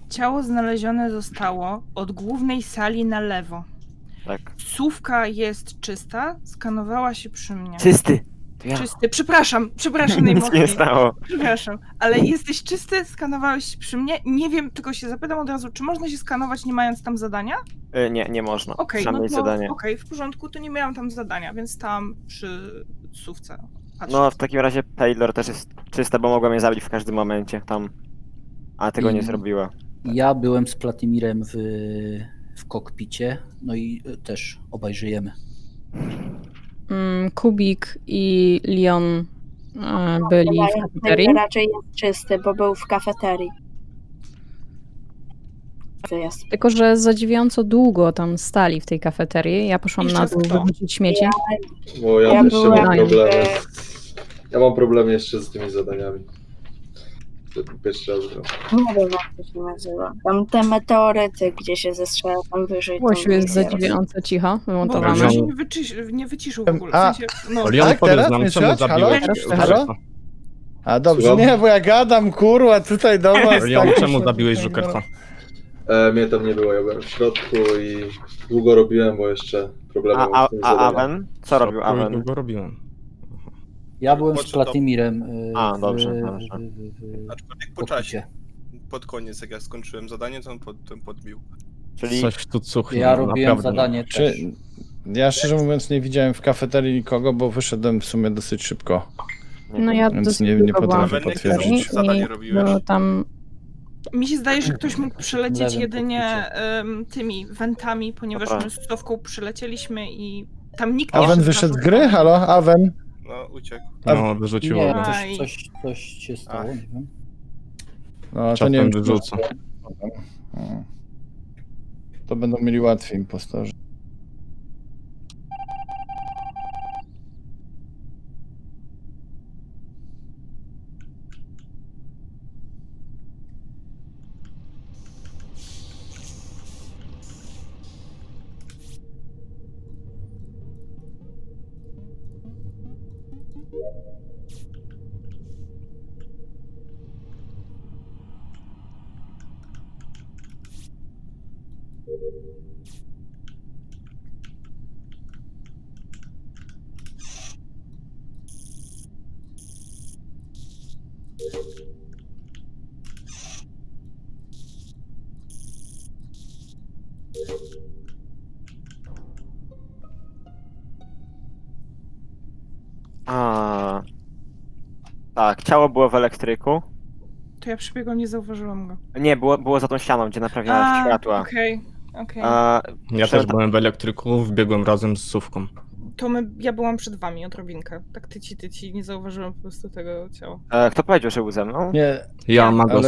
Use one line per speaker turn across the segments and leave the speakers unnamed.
Ciało znalezione zostało od głównej sali na lewo.
Tak.
Sówka jest czysta, skanowała się przy mnie.
Czysty! To ja.
Czysty, przepraszam
Nic się nie
najmocniej.
stało.
Przepraszam, ale jesteś czysty, skanowałeś się przy mnie. Nie wiem, tylko się zapytam od razu, czy można się skanować nie mając tam zadania?
Nie można.
Okej,
Trzeba
no
mieć
to
zadanie.
w porządku, to nie miałam tam zadania, więc tam przy sówce. Patrzę.
No w takim razie Taylor też jest czysta, bo mogła mnie zabić w każdym momencie tam. A tego nie zrobiła.
Ja byłem z Platimirem w kokpicie, no i też obaj żyjemy.
Kubik i Leon byli w kafeterii.
Raczej jest czysty, bo był w kafeterii. To jest.
Tylko że zadziwiająco długo tam stali w tej kafeterii. Ja poszłam
Jeszcze
na dół
kto?
wyrzucić śmieci.
Bo ja
Ja
też jeszcze mam
byłem,
problemy. Ja mam problemy jeszcze z tymi zadaniami. Pierwszy raz gram.
Nie wiem, jak to się nazywa. Tam te meteoryty, gdzie się zestrzela tam wyżej.
Łosiu
tam
jest
jest.
zadziwiająco cicho,
Bo
wymontowane.
się nie wyciszył w ogóle. W
A,
sensie, no,
Leon,
Tak,
powiedz
teraz
nam,
mnie
czemu
słychać?
zabiłeś
Halo?
Żukersa?
A dobrze,
Słucham?
nie, bo ja gadam, kurwa, tutaj do was.
Leon,
tak,
czemu
muszę
zabiłeś
tutaj,
Żukersa?
Mnie tam nie było, ja byłem w środku i długo robiłem, bo jeszcze problemy
A,
mam z tym zadaniem.
Aven? Co robił Aven?
Długo robiłem.
Ja byłem z
Znaczy to-
Platimirem
A, dobrze.
Aczkolwiek po
kokpicie.
czasie. Pod koniec, jak ja skończyłem zadanie, to on podbił.
Czyli
Coś tu cuchnie.
Ja robiłem
naprawdę.
zadanie
Czy,
też.
ja szczerze mówiąc nie widziałem w kafeterii nikogo, bo wyszedłem w sumie dosyć szybko.
No ja
Więc
dosyć
nie
długo byłam
potrafię
w kafeterii
potwierdzić.
Zadanie robiłeś?
było tam
mi się zdaje, że ktoś mógł przylecieć
Lewym
jedynie tymi wentami, ponieważ
Dobra.
my z Sówką przylecieliśmy i tam nikt
Aven
szedł
wyszedł z
na
gry? Halo, Aven?
No, uciekł.
No, wyrzuciło
Nie,
go.
Aj.
coś się stało, nie wiem.
No to
Czasem
nie wiem, czy
wyrzucę.
to będą mieli łatwiej impostorzy.
A. Tak, ciało było w elektryku.
To ja przybiegłam, nie zauważyłam go.
Nie, było za tą ścianą, gdzie naprawiała światła.
Okej.
A,
Ja też byłem w elektryku, wbiegłem razem z Sówką.
To ja byłam przed wami odrobinkę. Tak tyci, nie zauważyłam po prostu tego ciała.
Kto powiedział, że był ze mną?
Nie,
Ja, Magos.
ale-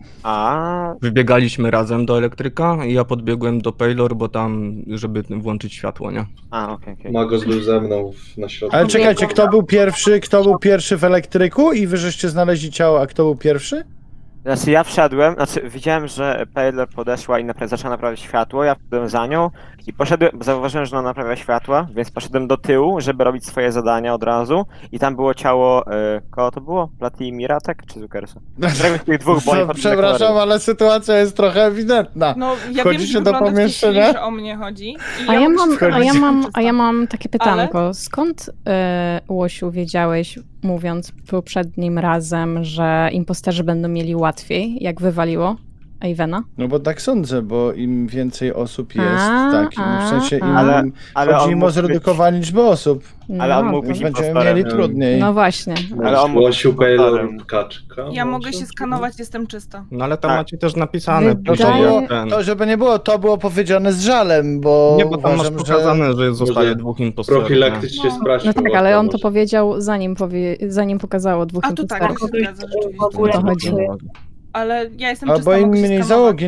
A,
Wybiegaliśmy razem do elektryka i ja podbiegłem do Paylor, bo tam, żeby włączyć światło, nie?
okej.
Magos był ze mną na środku.
ale czekajcie, kto był pierwszy w elektryku i wy żeście znaleźli ciało, a kto był pierwszy?
Znaczy ja wszedłem, widziałem, że Paylor podeszła i zaczęła naprawiać światło, ja wszedłem za nią i poszedłem, bo zauważyłem, że ona naprawia światła, więc poszedłem do tyłu, żeby robić swoje zadania od razu i tam było ciało, kogo to było? Platimira, tak? Czy Zukersa? Któregoś z tych dwóch, bo oni potem
Przepraszam,
deklarowali.
ale sytuacja jest trochę ewidentna.
No, ja
Wchodzicie
wiem,
do
że wygląda w tej
pomieszczenia?
chwili, że o mnie chodzi. I
A ja mam,
muszę
a ja mam takie pytanko. Skąd, Łosiu, wiedziałeś, mówiąc poprzednim razem, że imposterzy będą mieli łatwiej, jak wywaliło Avena?
No bo tak sądzę, bo im więcej osób jest, w sensie im
Ale on
chodzi im o
mógł
zredukowanie liczby osób,
Ale on
No,
mógł być
więc będziemy
impostorem.
mieli trudniej.
no właśnie.
Ale on mógł być
Głosił Paylor
impostorem.
kaczka.
Ja mogę
może?
się skanować, jestem czysta.
No ale tam
Tak.
macie też napisane.
Wydaje-
To,
później,
było,
jak ten...
to, żeby nie było, to było powiedziane z żalem, bo
Nie, bo tam masz
uważam, że...
pokazane, że zostaje
Może
dwóch impostorów. nie?
Profilaktycznie
No.
sprawdźmy.
No tak,
łatwo
ale on to
może.
powiedział zanim pokazało dwóch
A to tak,
impostorów.
to się zgadza rzeczywiście.
W ogóle
To chodzi.
Ale ja jestem
Albo
czysta,
im
mogę się
mniej
skanować.
załogi,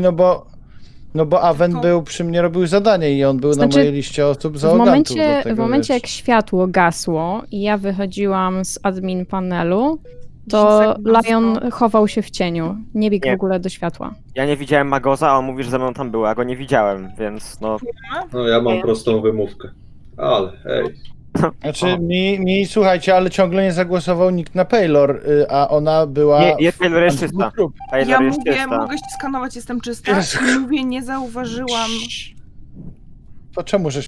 no bo Aven
To-
był przy mnie, robił zadanie i on był
Znaczy,
na mojej liście osób
W
załogantów.
momencie,
do tego,
w momencie
wiesz.
jak światło gasło i ja wychodziłam z admin panelu,
10
to
sekund
Lion
zostało.
chował się w cieniu. Nie biegł
Nie.
w ogóle do światła.
Ja nie widziałem Magoza, a on mówi, że ze mną tam był, a go nie widziałem, więc no...
No ja mam prostą wymówkę. Ale hej.
Znaczy, słuchajcie, ale ciągle nie zagłosował nikt na Paylor, a ona była...
Nie, Paylor jest czysta. Paylor
Ja
jest
mówię,
czysta.
mogę się skanować, jestem czysta.
Jezu.
I mówię, nie zauważyłam.
To czemu żeś...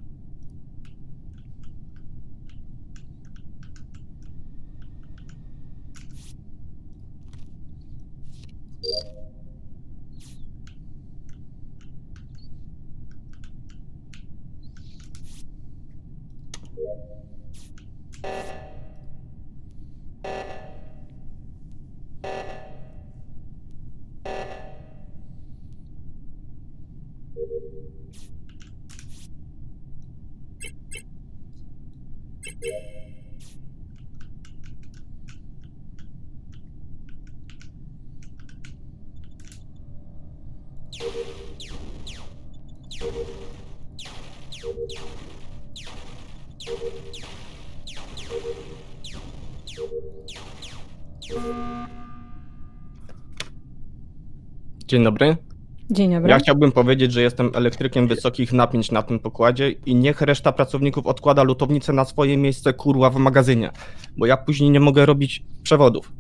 Dzień dobry.
Dzień dobry.
Ja chciałbym powiedzieć, że jestem elektrykiem wysokich napięć na tym pokładzie i niech reszta pracowników odkłada lutownicę na swoje miejsce, kurwa, w magazynie, bo ja później nie mogę robić przewodów.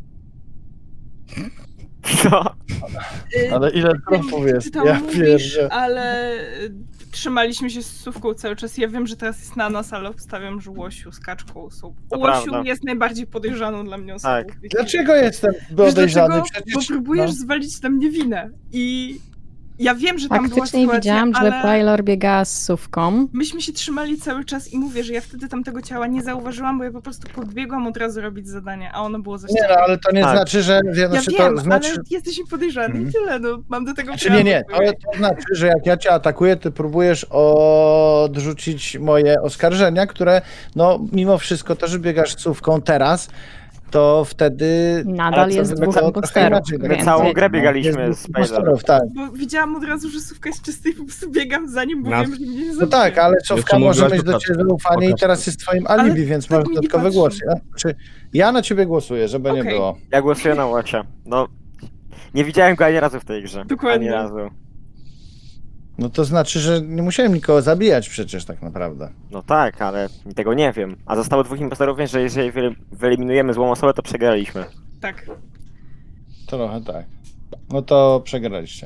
Co?
Ale ile trofów jest?
Ty tam
Ja
mówisz,
pierdzę.
ale trzymaliśmy się z Sówką cały czas. Ja wiem, że teraz jest na nas, ale obstawiam, że Łosiu z Kaczką są.
To
Łosiu
prawda.
jest najbardziej podejrzaną dla mnie osobą.
Tak.
Dlaczego jestem
Wiesz
podejrzany?
dlaczego?
Przecież...
Bo próbujesz
no.
zwalić na mnie winę. I ja wiem, że tam była
Faktycznie
sytuacja,
widziałam,
ale...
że Paylor biegała z Sówką.
Myśmy się trzymali cały czas i mówię, że ja wtedy tamtego ciała nie zauważyłam, bo ja po prostu podbiegłam od razu robić zadanie, a ono było za
Nie,
ścianą.
no, ale to nie
Tak.
znaczy, że...
Ja
Znaczy,
wiem,
to znaczy...
ale jesteś mi podejrzany i tyle, no mam do tego
Znaczy,
prawo.
nie, to znaczy, że jak ja cię atakuję, ty próbujesz odrzucić moje oskarżenia, które, no, mimo wszystko to, że biegasz słówką teraz, to wtedy...
Nadal
Ale co,
jest
wy
dwóch
trochę
imposterów.
inaczej, tak?
Więc
Całą
jak-
grę biegaliśmy
Jest
z
dwóch
Paylor.
impostorów, tak.
Bo widziałam od razu, że Sówka jest czysta i po prostu biegam za nim, bo
Nas-
wiem, że mnie nie
No
zabije.
tak, ale Sofka
mówiłaś
może mieć
o
do
Kaczce.
ciebie zaufanie
O
i
Kaczce.
teraz jest twoim alibi,
Ale
więc
tak
masz
mi nie
dodatkowy
patrzy.
głos. Ja na ciebie głosuję, żeby nie
Okej.
było.
Ja głosuję na Łosia. No, nie widziałem go ani razu w tej grze.
Dokładnie.
Ani razu.
No to znaczy, że nie musiałem nikogo zabijać przecież tak naprawdę.
No tak, ale tego nie wiem. A zostało dwóch impostorów, więc że jeżeli wyeliminujemy złą osobę, to przegraliśmy.
Tak.
Trochę tak. No to przegraliście.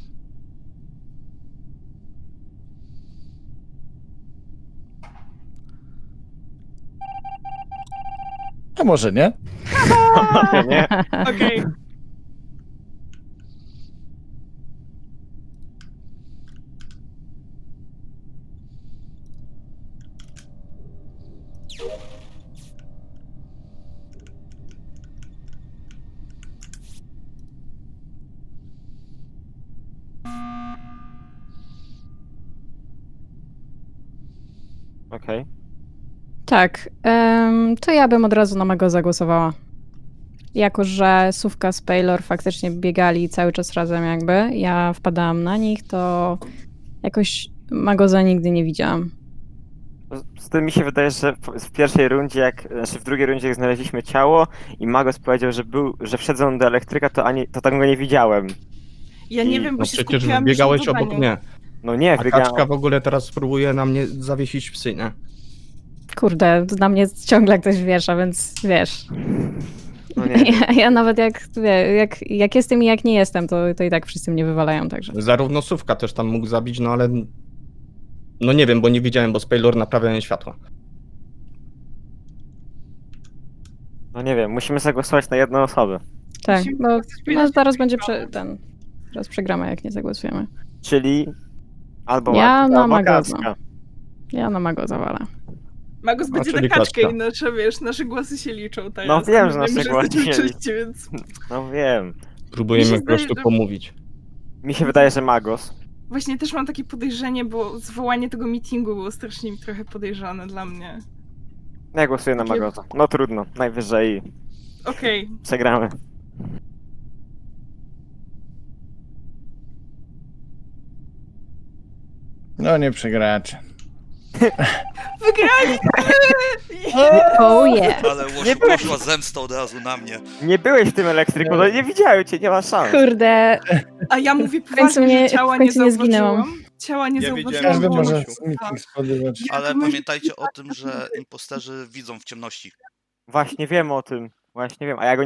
A może nie?
Nie?
Okej.
Okej.
Tak, to ja bym od razu na Mago zagłosowała. Jako, że Sówka z Paylor faktycznie biegali cały czas razem jakby, ja wpadałam na nich, to jakoś Magoza nigdy nie widziałam.
Z tym mi się wydaje, że w pierwszej rundzie, w drugiej rundzie jak znaleźliśmy ciało i Magos powiedział, że wszedł on do elektryka, to tam go nie widziałem.
Ja nie
I-
wiem, bo
No
się
przecież
skupiłam
biegałeś
już na
obok
zadaniu.
mnie.
No nie,
A
wygrałem.
Kaczka w ogóle teraz próbuje na mnie zawiesić psy, nie?
Kurde, na mnie ciągle ktoś wiesza, więc wiesz.
No nie.
Ja nawet jak jestem i jak nie jestem, to i tak wszyscy mnie wywalają, także.
Zarówno Sówka też tam mógł zabić, no ale... No nie wiem, bo nie widziałem, bo z Paylor naprawiałem światła.
No nie wiem, musimy zagłosować na jedną osobę.
Tak,
Musimy
bo
powiedzieć,
no, zaraz
że
będzie
wygramy.
teraz przegramy, jak nie zagłosujemy.
Czyli albo
Ja
Magos,
na
albo
Magosa.
Kaczka.
Ja na Mago zawalę.
Magos będzie na
czyli
kaczkę
Kaczka.
i nasze głosy się liczą teraz.
No wiem, że
My
nasze
wiemy,
głosy
jesteśmy
się
czyści, więc...
No wiem.
Próbujemy
Mi się
po prostu
zdaje, że-
pomówić.
Mi się wydaje, że Magos.
Właśnie też mam takie podejrzenie, bo zwołanie tego meetingu było strasznie trochę podejrzane dla mnie.
Ja głosuję na Magosa. No trudno, najwyżej
Okej,
przegramy.
No nie przegracie.
Wygrali!
Oh yeah.
Ale Łosiu poszła zemsta od razu na mnie.
Nie byłeś w tym elektryku, no nie widziałem cię, nie ma szans.
Kurde,
A ja mówię
końcu
poważnie,
mnie-
że ciała
w
nie
końcu nie zginęłam.
zauważyłam. Ciała nie
Ja
zauważyłam.
widziałem,
Każdy
bo-
może
Łosiu.
z nich spodziewać.
Ale
myślę-
pamiętajcie o tym, że imposterzy widzą w ciemności.
Właśnie wiem o tym, właśnie wiem, a ja go